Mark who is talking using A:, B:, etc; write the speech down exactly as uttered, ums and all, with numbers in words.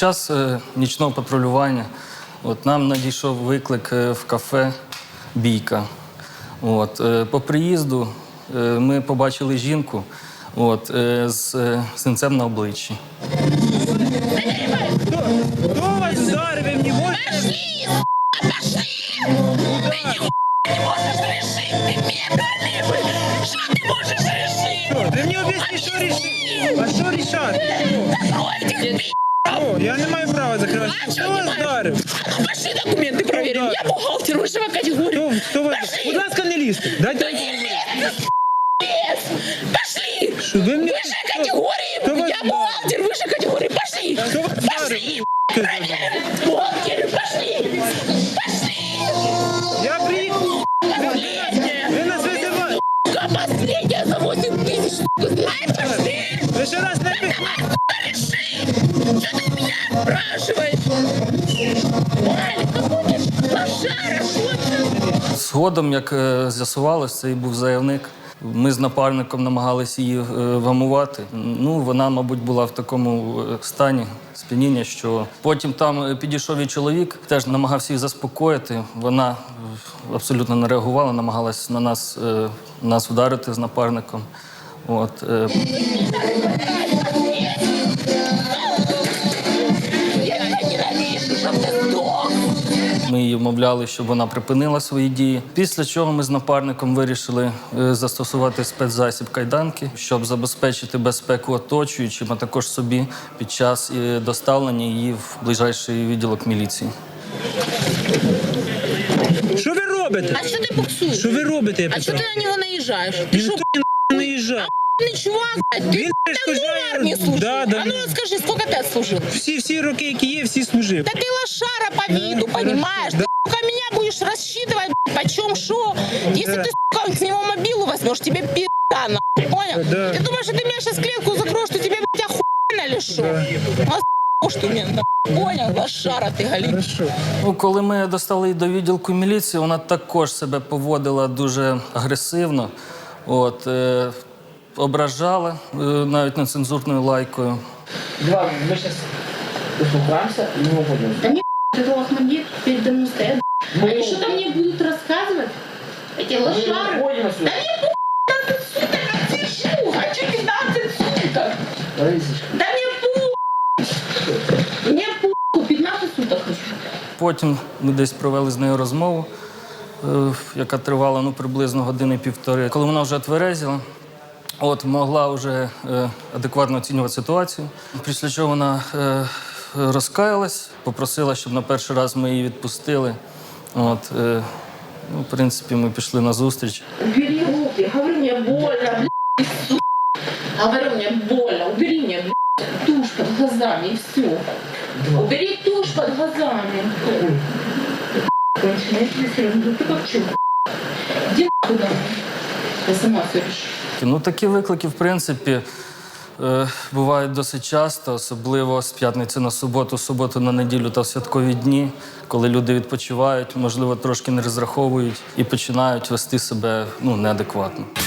A: час е, нічного патрулювання от, нам надійшов виклик е, в кафе «Бійка». От, е, по приїзду е, ми побачили жінку от, е, з е, синцем на обличчі.
B: Кто вас ударил? Вы мне можете?
C: Пошли, пошли! Ты нихуя не можешь решить, ты мегалибый! Что ты можешь решить?
B: Что? Ты мне объясни, что решить? А что решать?
C: Закрой этих
B: О, я не маю права закрывать.
C: А
B: Кто
C: что не
B: вас
C: маешь?
B: ударил?
C: А ну пошли документы проверим. Я бухгалтер высшего категории.
B: Кто, кто вас...
C: Пошли!
B: Будь ласка, не лізьте. Дайте мені поговорити.
C: Пошли!
B: Що ви мені...
C: Высшей категории!
B: Кто вас
C: Я бухгалтер высшей категории! Пошли!
B: Кто вас
C: Пошли!
B: ударил?
C: Бухгалтер, пошли! Пошли!
B: Я приїхав.
C: Последняя!
B: Ви нас визиваєте.
C: Последняя за восемь тысяч! Ай, пошли!
B: Ви ще раз не пихнете.
C: Что ты меня спрашиваешь? Валик, какой ты лошара, что ты?
A: Згодом, як е, з'ясувалось, це і був заявник. Ми з напарником намагалися її е, вгамувати. Ну, вона, мабуть, була в такому е, стані сп'яніння, що потім там е, підійшов і чоловік, теж намагався її заспокоїти. Вона е, абсолютно не реагувала, намагалась на нас, е, нас вдарити з напарником. От, е,
C: Я тебя ненавижу, чтоб ты сдох!
A: Ми її вмовляли, щоб вона припинила свої дії. Після чого ми з напарником вирішили е, застосувати спецзасіб кайданки, щоб забезпечити безпеку оточуючим, а також собі під час е, доставлення її в ближайший відділок міліції.
B: Що ви робите?
C: А что ты буксуешь?
B: Що ви робите, я
C: А что
B: питаю?
C: ты на него наезжаешь? Ты
B: Ніхто
C: что,
B: не наїжджав.
C: охуенный чувак, блядь? Ты
B: Він
C: давно в
B: перешкоджає.
C: армии служил?
B: Да, да.
C: А ну скажи, сколько ты отслужил?
B: Всі, всі роки, які є, всі служив.
C: Да ты лошара по виду,
B: хорошо,
C: понимаешь?
B: да.
C: Ты, сука, меня будешь рассчитывать, блядь, почем шо. Если
B: Да.
C: ты, сука, с него мобилу возьмешь, тебе пи***а, нахуй, понял?
B: Да.
C: Ты думаешь, что ты меня сейчас в клетку закроешь, что тебе, блядь, охуенно или шо? А с***, что мне, нахуй, понял? Лошара ты, галим.
B: Хорошо.
A: Ну, коли ми достали її до відділку міліції, вона також себе поводила дуже агресивно. От, е, ображала е, навіть нецензурною лайкою.
D: Два, мы сейчас услухаемся и не уходим.
E: Да не это лохмадит передо мной стоят.
D: Мы
E: Они что-то мне будут рассказывать? Эти
D: мы
E: лошары?
D: уходим отсюда.
C: пятнадцать суток отсижу, хочу пятнадцать суток.
D: Раисочка.
E: Да мне пу... Мне пу... пятнадцать суток хочу.
A: Потім ми десь провели з нею розмову, е, яка тривала ну, приблизно години-півтори. Коли вона вже тверезіла, от, могла вже е, адекватно оцінювати ситуацію. Після чого вона е, розкаялась, попросила, щоб на перший раз ми її відпустили. От, е, ну, в принципі, ми пішли на зустріч.
E: Убери руки. Говорю, мне больно, блядь, сука. Говорю, мне больно. Убери мне, блядь, тушь под глазами и все. Убери тушь под глазами. Конченая, если серьезно, ну ты как чё? Иди нахуй домой. Я сама все решу.
A: Ну, такі виклики, в принципі, е, бувають досить часто, особливо з п'ятниці на суботу, суботу на неділю та в святкові дні, коли люди відпочивають, можливо, трошки не розраховують і починають вести себе ну, неадекватно.